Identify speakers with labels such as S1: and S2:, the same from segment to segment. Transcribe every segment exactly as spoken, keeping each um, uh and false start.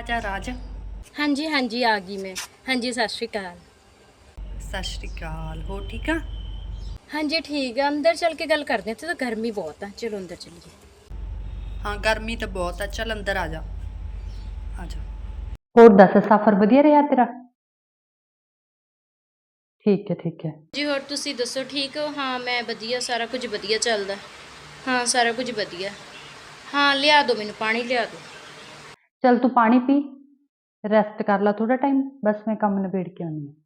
S1: आजा राज।
S2: हाँ जी हाँ जी आ गई मैं। हाँ जी सत श्री अकाल।
S1: सत श्री अकाल। हो ठीक आ?
S2: हाँ जी ठीक है, अंदर चल के गल करते हैं, तो गर्मी बहुत है, चलो अंदर चलिए।
S1: हाँ गर्मी तो बहुत है, चल अंदर आ जा। आ जा।
S3: ਹੋਰ ਦੱਸ ਸਫ਼ਰ ਵਧੀਆ ਰਿਹਾ ਤੇਰਾ? ਠੀਕ ਹੈ ਠੀਕ ਹੈ।
S2: जी और तुसी दसो ठीक हो? हाँ मैं वधिया, सारा कुछ वधिया चलदा। हाँ सारा कुछ वधिया। हाँ लिया दो मैनू पानी, लिया दो।
S3: ਚੱਲ ਤੂੰ ਪਾਣੀ ਪੀ, ਰੈਸਟ ਕਰ ਲੈ ਥੋੜਾ ਟਾਈਮ, ਬਸ ਮੈਂ ਕੰਮ ਨਿਬੇੜ ਕੇ ਆਉਂਦੀ ਹਾਂ।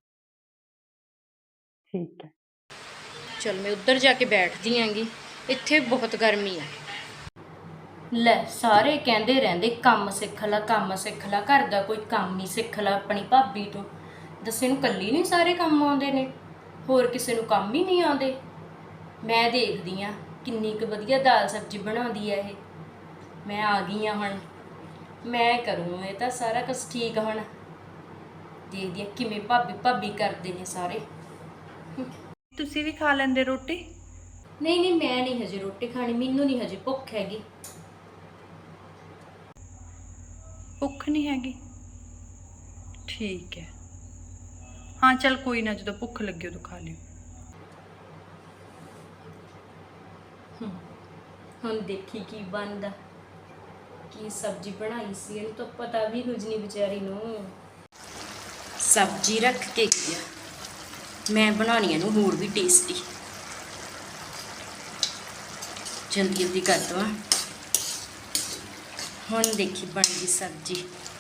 S3: ਠੀਕ ਹੈ।
S2: चल मैं उधर जाके बैठदी आंगी, इत्थे बहुत गर्मी है। ਲੈ ਸਾਰੇ ਕਹਿੰਦੇ ਰਹਿੰਦੇ ਕੰਮ ਸਿੱਖ ਲੈ ਕੰਮ ਸਿੱਖ ਲੈ, ਘਰ ਦਾ ਕੋਈ ਕੰਮ ਨਹੀਂ ਸਿੱਖ ਲੈ ਆਪਣੀ ਭਾਬੀ ਤੋਂ। ਦੱਸੇ ਨੂੰ ਕੱਲੀ ਨਹੀਂ ਸਾਰੇ ਕੰਮ ਆਉਂਦੇ ਨੇ, ਹੋਰ ਕਿਸੇ ਨੂੰ ਕੰਮ ਹੀ ਨਹੀਂ ਆਉਂਦੇ। ਮੈਂ ਦੇਖਦੀ ਆ ਕਿੰਨੀ ਕੁ ਵਧੀਆ ਦਾਲ ਸਬਜ਼ੀ ਬਣਾਉਂਦੀ ਹੈ ਇਹ। ਮੈਂ ਆ ਗਈ ਹਾਂ ਹੁਣ, ਮੈਂ ਕਰੂੰ ਇਹ ਤਾਂ ਸਾਰਾ ਕੁਝ ਠੀਕ। ਹੁਣ ਦੇਖਦੀ ਆ ਕਿਵੇਂ ਭਾਬੀ ਭਾਬੀ ਕਰਦੇ ਨੇ ਸਾਰੇ।
S1: ਤੁਸੀਂ ਵੀ ਖਾ ਲੈਂਦੇ ਰੋਟੀ?
S2: ਨਹੀਂ ਨਹੀਂ ਮੈਂ ਨਹੀਂ ਹਜੇ ਰੋਟੀ ਖਾਣੀ, ਮੈਨੂੰ ਨਹੀਂ ਹਜੇ ਭੁੱਖ ਹੈਗੀ।
S1: ਭੁੱਖ नहीं हैगी? ठीक है। हाँ चल कोई ना, जो भुख लगे उदों खा लियो।
S2: ਹੁਣ ਦੇਖੀ ਕੀ ਬਣਦਾ। ਕੀ ਸਬਜ਼ੀ ਬਣਾਈ ਸੀ, ਇਹਨੂੰ ਤਾਂ ਪਤਾ ਵੀ ਕੁਝ ਨਹੀਂ ਵਿਚਾਰੀ ਨੂੰ। ਸਬਜ਼ੀ ਰੱਖ ਕੇ ਗਿਆ, ਮੈਂ ਬਣਾਉਣੀ ਇਹਨੂੰ ਹੋਰ ਵੀ ਟੇਸਟੀ। ਜਲਦੀ ਜਲਦੀ ਕਰ ਦਵਾਂ। ਹੁਣ ਦੇਖੀ ਬਣ ਗਈ ਸਬਜ਼ੀ।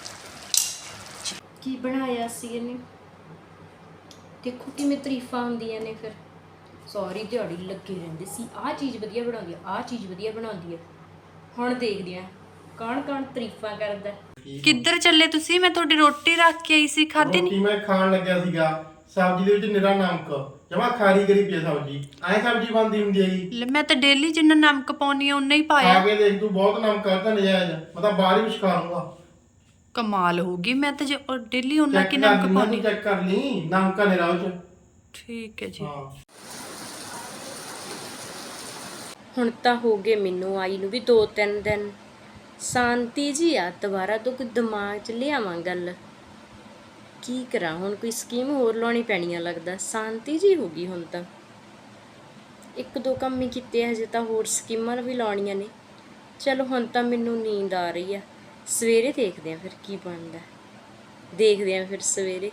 S2: ਕੀ ਬਣਾਇਆ ਸੀ ਇਹਨੇ, ਦੇਖੋ ਕਿਵੇਂ ਤਾਰੀਫਾਂ ਹੁੰਦੀਆਂ ਨੇ। ਫਿਰ ਸਾਰੀ ਦਿਹਾੜੀ ਲੱਗੇ ਰਹਿੰਦੇ ਸੀ, ਆਹ ਚੀਜ਼ ਵਧੀਆ ਬਣਾਉਂਦੀ ਆ, ਆਹ ਚੀਜ਼ ਵਧੀਆ ਬਣਾਉਂਦੀ ਆ। ਹੁਣ ਦੇਖਦੇ ਆ ਕੌਣ ਕੌਣ ਤਾਰੀਫਾਂ ਕਰਦਾ।
S1: ਕਿੱਧਰ ਚੱਲੇ ਤੁਸੀਂ? ਮੈਂ ਤੁਹਾਡੀ ਰੋਟੀ ਰੱਖ ਕੇ ਆਈ ਸੀ, ਖਾਧੀ
S4: ਰੋਟੀ
S1: ਨਹੀਂ?
S4: ਮੈਂ ਖਾਣ ਲੱਗਿਆ ਸੀਗਾ, ਸਬਜ਼ੀ ਦੇ ਵਿੱਚ ਨਿਰਾ ਨਮਕ, ਜਮਾ ਖਾਰੀ ਕਰੀ ਪਈ ਆ ਸਬਜ਼ੀ। ਐਂ ਸਬਜ਼ੀ ਬਣਦੀ ਹੁੰਦੀ ਹੈ ਜੀ?
S1: ਲੈ, ਮੈਂ ਤਾਂ ਡੇਲੀ ਜਿੰਨਾ ਨਮਕ ਪਾਉਣੀ ਆ ਉਨਾ ਹੀ
S4: ਖਾ
S1: ਪਾਇਆ।
S4: ਕੇ ਦੇਖ ਤੂੰ, ਬਹੁਤ ਨਮਕ ਕਰਦਾ ਨਜਾਇਜ਼, ਮੈਂ ਤਾਂ ਬਾਹਰ ਹੀ ਵਿਛਕਾ ਲੂੰਗਾ।
S1: ਕਮਾਲ ਹੋ ਗਈ, ਮੈਂ ਤਾਂ ਡੇਲੀ ਉਨਾ
S4: ਚੈੱਕ
S1: ਕਿ
S4: ਕਰ
S1: ਨਮਕ
S4: ਲਈ,
S1: ਪਾਉਣੀ।
S4: ਚੈੱਕ ਕਰ ਲਈ, ਨਮਕ ਆ ਨਿਰਾ ਉਹ ਚ।
S1: ਠੀਕ ਹੈ ਜੀ।
S4: ਹਾਂ
S2: ਹੁਣ ਤਾਂ ਹੋ ਗਏ ਮੈਨੂੰ ਆਈ ਨੂੰ ਵੀ ਦੋ ਤਿੰਨ ਦਿਨ। ਸ਼ਾਂਤੀ ਜੀ ਆ, ਦੁਬਾਰਾ ਤੋਂ ਕੋਈ ਦਿਮਾਗ 'ਚ ਲਿਆਵਾਂ ਗੱਲ। ਕੀ ਕਰਾਂ ਹੁਣ, ਕੋਈ ਸਕੀਮ ਹੋਰ ਲਾਉਣੀ ਪੈਣੀ ਆ ਲੱਗਦਾ। ਸ਼ਾਂਤੀ ਜੀ ਹੋ ਗਈ ਹੁਣ ਤਾਂ, ਇੱਕ ਦੋ ਕੰਮ ਹੀ ਕੀਤੇ, ਹਜੇ ਤਾਂ ਹੋਰ ਸਕੀਮਾਂ ਵੀ ਲਾਉਣੀਆਂ ਨੇ। ਚਲੋ ਹੁਣ ਤਾਂ ਮੈਨੂੰ ਨੀਂਦ ਆ ਰਹੀ ਆ, ਸਵੇਰੇ ਦੇਖਦੇ ਆ ਫਿਰ ਕੀ ਬਣਦਾ। ਦੇਖਦੇ ਆ ਫਿਰ ਸਵੇਰੇ।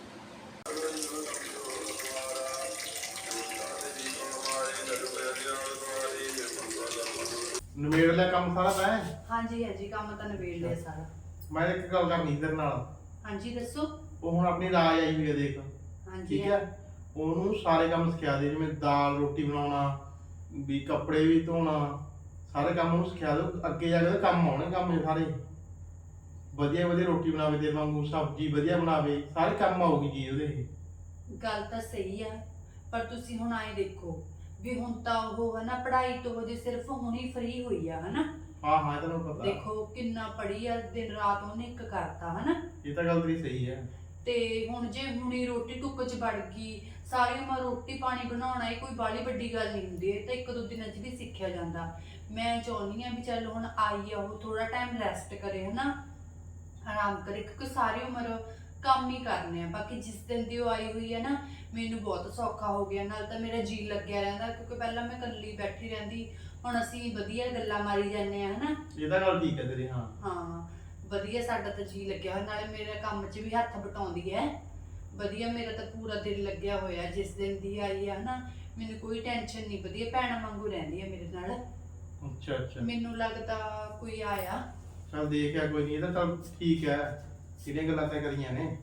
S4: ਨਵੇੜ ਲਿਆ ਕੰਮ ਸਾਰਾ ਤੈਂ?
S1: ਹਾਂਜੀ ਹਾਂਜੀ ਕੰਮ ਤਾਂ ਨਿਬੇੜ ਲਿਆ ਸਾਰਾ।
S4: ਮੈਂ ਇੱਕ ਗੱਲ ਕਰਨੀ ਤੇਰੇ ਨਾਲ।
S1: ਹਾਂਜੀ ਦੱਸੋ।
S4: ਉਹ ਹੁਣ ਆਪਣੀ ਰਾਜ ਆਈ ਹੋਈ ਹੈ ਦੇਖ,
S1: ਹਾਂਜੀ
S4: ਠੀਕ ਹੈ? ਉਹਨੂੰ ਸਾਰੇ ਕੰਮ ਸਿਖਾ ਦੇ, ਜਿਵੇਂ ਦਾਲ ਰੋਟੀ ਬਣਾਉਣਾ, ਵੀ ਕੱਪੜੇ ਵੀ ਧੋਣਾ, ਸਾਰੇ ਕੰਮ ਉਹਨੂੰ ਸਿਖਾ ਦਿਓ। ਅੱਗੇ ਜਾ ਕੇ ਉਹਦੇ ਕੰਮ ਆਉਣੇ ਕੰਮ ਇਹ ਸਾਰੇ। ਵਧੀਆ ਵਧੀਆ ਰੋਟੀ ਬਣਾਵੇ ਤੇਰੇ ਵਾਂਗੂ, ਸਬਜ਼ੀ ਵਧੀਆ ਬਣਾਵੇ, ਸਾਰੇ ਕੰਮ ਆਊਗੀ ਜੀ ਉਹਦੇ ਇਹ।
S5: ਗੱਲ ਤਾਂ ਸਹੀ ਆ, ਪਰ ਤੁਸੀਂ ਹੁਣ ਆਏ ਦੇਖੋ ਵੀ ਹੁਣ ਤਾਂ ਉਹ ਹੈ ਨਾ ਪੜ੍ਹਾਈ ਤੋਂ ਹਜੇ ਸਿਰਫ ਹੁਣੀ ਫ੍ਰੀ ਹੋਈ ਆ, ਹਨਾ?
S4: ਹਾਂ ਹਾਂ ਤੈਨੂੰ ਪਤਾ।
S5: ਦੇਖੋ ਕਿੰਨਾ ਪੜ੍ਹੀ ਆ, ਦਿਨ ਰਾਤ ਉਹਨੇ ਇੱਕ ਕਰਤਾ, ਹਨਾ?
S4: ਇਹ ਤਾਂ ਗੱਲ ਤੇਰੀ ਸਹੀ ਹੈ।
S5: ਤੇ ਹੁਣ ਜੇ ਹੁਣੀ ਰੋਟੀ ਟੁੱਕ ਚ ਵੜ ਗਈ, ਸਾਰੀ ਉਮਰ ਰੋਟੀ ਪਾਣੀ ਬਣਾਉਣਾ ਇਹ ਕੋਈ ਬਾਹਲੀ ਵੱਡੀ ਗੱਲ ਨਹੀਂ ਹੁੰਦੀ, ਇਹ ਤਾਂ ਇੱਕ ਦੋ ਦਿਨਾਂ 'ਚ ਵੀ ਸਿੱਖਿਆ ਜਾਂਦਾ। ਮੈਂ ਚਾਹੁੰਦੀ ਆ ਵੀ ਚੱਲ ਹੁਣ ਆਈ ਆ ਉਹ, ਥੋੜਾ ਟਾਈਮ ਰੈਸਟ ਕਰੇ, ਹਨਾ? ਆਰਾਮ ਕਰੇ, ਕਿਉਂਕਿ ਸਾਰੀ ਉਮਰ ਕੰਮ ਹੀ ਕਰਨੇ ਆ। ਬਾਕੀ ਜਿਸ ਦਿਨ ਦੀ ਉਹ ਆਈ ਹੋਈ ਹੈ ਨਾ, ਮੈਨੂੰ ਬਹੁਤ ਸੌਖਾ ਹੋ ਗਿਆ। ਨਾਲ ਤਾਂ ਮੇਰਾ ਜੀ ਲੱਗਿਆ ਰਹਿੰਦਾ, ਕਿਉਂਕਿ ਪਹਿਲਾਂ ਮੈਂ ਇਕੱਲੀ ਬੈਠੀ ਰਹਿੰਦੀ, ਹੁਣ ਅਸੀਂ ਵਧੀਆ ਗੱਲਾਂ ਮਾਰੀ ਜਾਂਦੇ ਆ, ਹਨਾ?
S4: ਇਹ ਤਾਂ ਗੱਲ ਠੀਕ ਹੈ ਤੇਰੀ। ਹਾਂ
S5: ਹਾਂ ਵਧੀਆ, ਸਾਡਾ ਤਾਂ ਜੀ ਲੱਗਿਆ ਹੋਇਆ, ਨਾਲੇ ਮੇਰੇ ਕੰਮ 'ਚ ਵੀ ਹੱਥ ਬਟਾਉਂਦੀ ਹੈ ਵਧੀਆ। ਮੇਰਾ ਤਾਂ ਪੂਰਾ ਦਿਲ ਲੱਗਿਆ ਹੋਇਆ ਜਿਸ ਦਿਨ ਦੀ ਆਈ ਆ, ਹਨਾ? ਮੈਨੂੰ ਕੋਈ ਟੈਨਸ਼ਨ ਨਹੀਂ, ਵਧੀਆ ਭੈਣਾਂ ਵਾਂਗੂ ਰਹਿੰਦੀ ਹੈ ਮੇਰੇ ਨਾਲ।
S4: ਅੱਛਾ ਅੱਛਾ,
S5: ਮੈਨੂੰ ਲੱਗਦਾ ਕੋਈ ਆਇਆ।
S4: ਚੱਲ ਦੇਖਿਆ ਕੋਈ ਨਹੀਂ, ਇਹ ਤਾਂ ਚੱਲ ਠੀਕ ਹੈ। ਕਿਹੜੀਆਂ ਗੱਲਾਂ ਤੈਂ ਕਰੀਆਂ ਨੇ?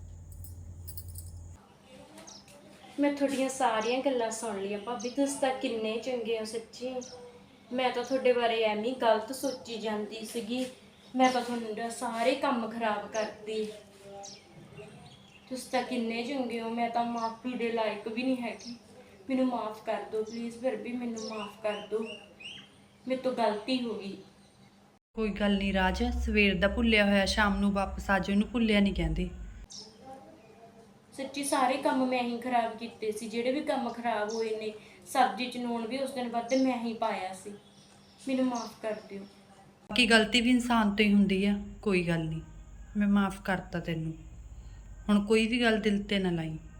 S2: ਮੈਂ ਤੁਹਾਡੀਆਂ ਸਾਰੀਆਂ ਗੱਲਾਂ ਸੁਣ ਲਈਆਂ ਭਾਬੀ, ਤੁਸੀਂ ਤਾਂ ਕਿੰਨੇ ਚੰਗੇ ਹੋ ਸੱਚੀ। ਮੈਂ ਤਾਂ ਤੁਹਾਡੇ ਬਾਰੇ ਐਵੇਂ ਹੀ ਗਲਤ ਸੋਚੀ ਜਾਂਦੀ ਸੀਗੀ, ਮੈਂ ਤਾਂ ਤੁਹਾਨੂੰ ਸਾਰੇ ਕੰਮ ਖਰਾਬ ਕਰਤੀ। ਤੁਸੀਂ ਤਾਂ ਕਿੰਨੇ ਚੰਗੇ ਹੋ, ਮੈਂ ਤਾਂ ਮਾਫੀ ਦੇ ਲਾਇਕ ਵੀ ਨਹੀਂ ਹੈਗੀ। ਮੈਨੂੰ ਮਾਫ ਕਰ ਦਿਓ ਪਲੀਜ਼, ਫਿਰ ਵੀ ਮੈਨੂੰ ਮਾਫ ਕਰ ਦਿਓ, ਮੇਰੇ ਤੋਂ ਗਲਤੀ ਹੋ ਗਈ।
S1: ਕੋਈ ਗੱਲ ਨਹੀਂ ਰਾਜ, ਸਵੇਰ ਦਾ ਭੁੱਲਿਆ ਹੋਇਆ ਸ਼ਾਮ ਨੂੰ ਵਾਪਸ ਆ ਜਾਓ, ਉਹਨੂੰ ਭੁੱਲਿਆ ਨਹੀਂ ਕਹਿੰਦੇ।
S2: ਸੱਚੀ ਸਾਰੇ ਕੰਮ ਮੈਂ ਹੀ ਖਰਾਬ ਕੀਤੇ ਸੀ, ਜਿਹੜੇ ਵੀ ਕੰਮ ਖਰਾਬ ਹੋਏ ਨੇ। ਸਬਜ਼ੀ 'ਚ ਲੂਣ ਵੀ ਉਸ ਦਿਨ ਵੱਧ ਮੈਂ ਹੀ ਪਾਇਆ ਸੀ, ਮੈਨੂੰ ਮਾਫ ਕਰ ਦਿਓ।
S1: ਬਾਕੀ ਗਲਤੀ ਵੀ ਇਨਸਾਨ ਤੋਂ ਹੀ ਹੁੰਦੀ ਆ, ਕੋਈ ਗੱਲ ਨਹੀਂ। ਮੈਂ ਮਾਫ ਕਰਤਾ ਤੈਨੂੰ। ਹੁਣ ਕੋਈ ਵੀ ਗੱਲ ਦਿਲ ਤੇ ਨਾ ਲਾਈ।